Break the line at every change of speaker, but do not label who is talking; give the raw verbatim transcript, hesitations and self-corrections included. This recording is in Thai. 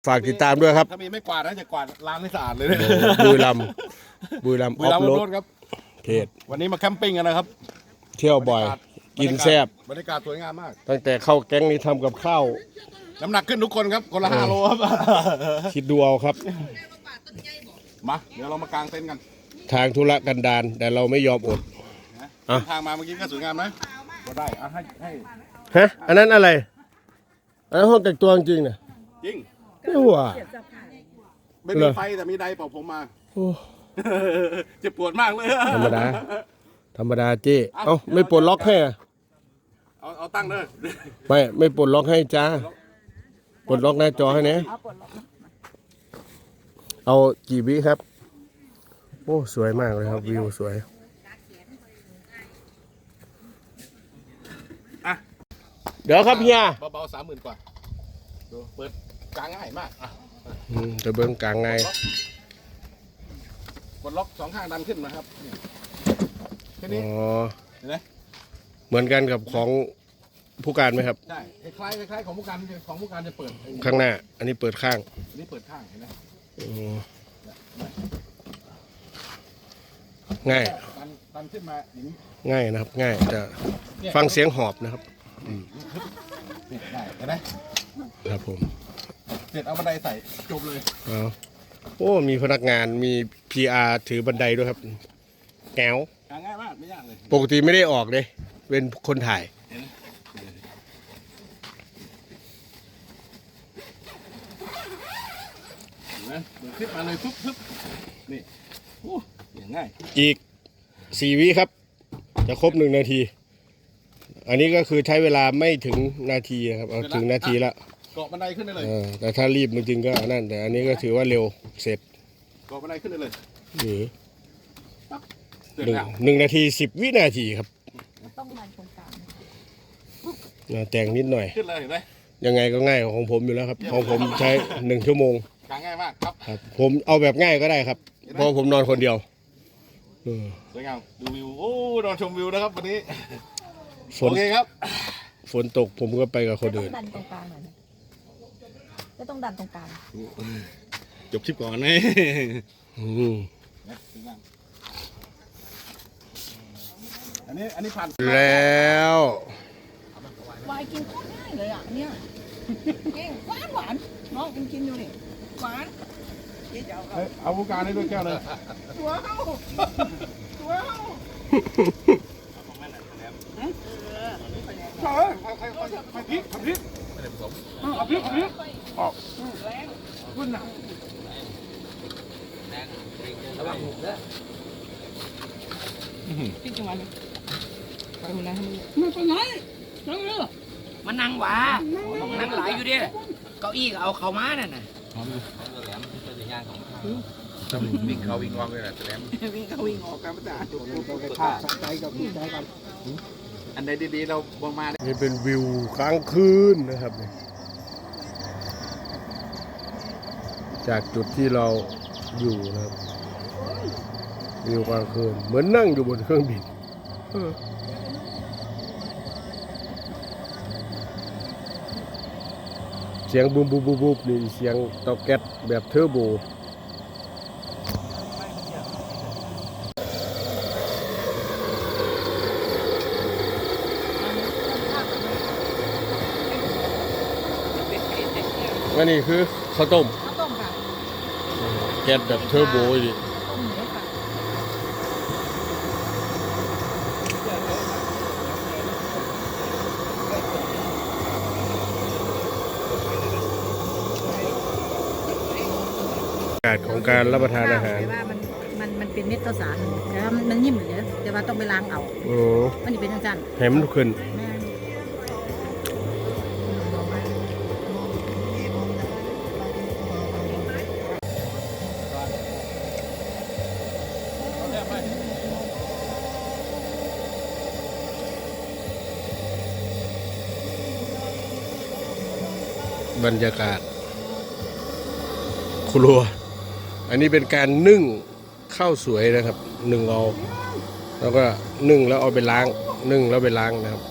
ฝากติดตามด้วยครับ
ถ้ามีไม่กวาดนะจะกวาดล้างให้สะอาดเลย
บุรีรัมย์บุรีรัมย์ออฟโรด
ครับ
เพจ
วันนี้มาแคมปิ้งกันนะครับ
เที่ยวบ่อยกินแซ่บบ
รรยากาศสวยงามมาก
ตั้งแต่เข้าแก๊งนี้ทำกับข้าว
น้ำหนักขึ้นทุกคนครับคนละห้าโลครับ
คิดดูเอาครับ
มาเดี๋ยวเรามากางเต็นท์กัน
ทางธุรกันดารแต่เราไม่ยอมอด
ทางมาเมื่อกี้ก็สวยงามนะก็ได้อ่ะให้ให้
ฮะอันนั้นอะไรอันนั้นห้องแต่งตัวจริงๆนะ
จริง
ไม่หัว
ไม่มีไฟแต่มีไดเป่าผมมาเจ็บปวดมากเลย
ธรรมดาธรรมดาเจ๊เอ้าไม่ปลดล็อกให้
เอาเอาตั้งเลย
ไม่ไม่ปลดล็อกให้จ้าปลดล็อกหน้าจอให้เนี่ยเอากี่วิครับโอ้สวยมากเลยครับวิวสวยเดี๋ยวครับเฮีย
เบาๆสามหมื่นกว่าดูเปิดกลางง่ายมากอ่ะ
จะเบิ้งกลางไง
กดล็อกสองข้างดันขึ้นนะครับแค่นี้
อ๋อ
เห็นไหม
เหมือนกันกับของผู้การไหมครับ
ใช่คล้ายคล้ายของผู้การของผู้การจะเปิด
ข้างหน้าอันนี้เปิดข้าง
อันนี้เปิดข้างเห็นไหม
ง่าย
ดันดันขึ้นมาอย่างนี้
ง่ายนะครับง่ายจะฟังเสียงหอบนะครับ
ได้เห็นไหม
ครับผม
เสร็จเอาบันไดใส่จบเลย
อ๋อโอ้มีพนักงานมี พี อาร์ ถือบันไดด้วยครับแก้ว
ง่ายมากไม่ยากเลย
ปกติไม่ได้ออกเลยเป็นคนถ่าย
เห็นไหมเปิดคลิปมาเลยปุ๊บปุ๊บนี่โอ้อย่างง่าย
อีกสี่วิครับจะครบหนึ่งนาทีอันนี้ก็คือใช้เวลาไม่ถึงนาทีครับเอาถึงนาทีละ
เกาะบันไดขึ้นได้เลย
แต่ถ้ารีบจริงๆก็นั่นแต่อันนี้ก็ถือว่าเร็วเสร็จ
เกาะบันไดขึ้นได้เลย
หรือหนึ่งหนึ่งนาทีสิบวินาทีครับ
ต้องดันตรงกล
างแต่งนิดหน่อย
ขึ้นเลยเห็นไหม
ยังไงก็ง่ายของผมอยู่แล้วครับของผมใช้หนึ่งชั่วโมง
ง่ายมากครับ
ผมเอาแบบง่ายก็ได้ครับเพราะผมนอนคนเดียว
สวยงามดูวิวโอ้นอนชมวิวนะครับวันนี้
ฝนครับฝนตกผมก็ไปกับคนอื่น
ดันตรงกลางหน่อยก็ต้องดันตรงกลาง
จบคลิปก่อนนะอันนี้อันนี้ผ่าน
แล้ว
วายกินโคตรง่ายเลยอ่ะเนี่ยเก่งหวานหวานน้องกินกินดูนี่หวาน
เอาผู้การให้ด้วยแก้วเลย
ตัวเข้าตัวเข้า
ใช่ใครใครใครใครพริกพริกไม่ได้ผสมเอาพริกพริกออกแรงขึ้นหนักแรงระวังหุบเลย
พริกจังหวะนี้ไปคนนั้น
มันไปไหนจังเลย
มันนั่งหวานั่งหลายอยู่ดิเก้าอี้เอาเข้ามานั่นน่ะ
แหลมเป็นย่างของวิ่งเขาวิ่งออกเลยนะแหลม
วิ่งเขาวิ่งออกกันไม่ได้
เราไปฆ่าใจกับใจกัน
อันใดดีๆเราบมา
นี่เป็นวิวกลางคืนนะครับจากจุดที่เราอยู่นะครับวิวกลางคืนเหมือนนั่งอยู่บนเครื่องบินเสียงบูมบูมบูมนี่เสียงเตาแก๊สแบบเทอร์โบอันนี้คือข้าวต้ม
ข้าวต้มค่ะ
แก๊สแบบเทอร์โบดิ
ต้มหมูค่ะ
อากาศของการรับประทานอาหาร
ว่ามันมันมันเป็นเม็ดข้าวสารแต่ว่ามันนิ่มอยู่เนี่ยแต่ว่าต้องไปล้างเอา
โอ้
มันเป็นจังๆ
ให้มันขึ้นบรรยากาศครัวอันนี้เป็นการนึ่งข้าวสวยนะครับนึ่งเอาแล้วก็นึ่งแล้วเอาไปล้างนึ่งแล้วไปล้างนะครับ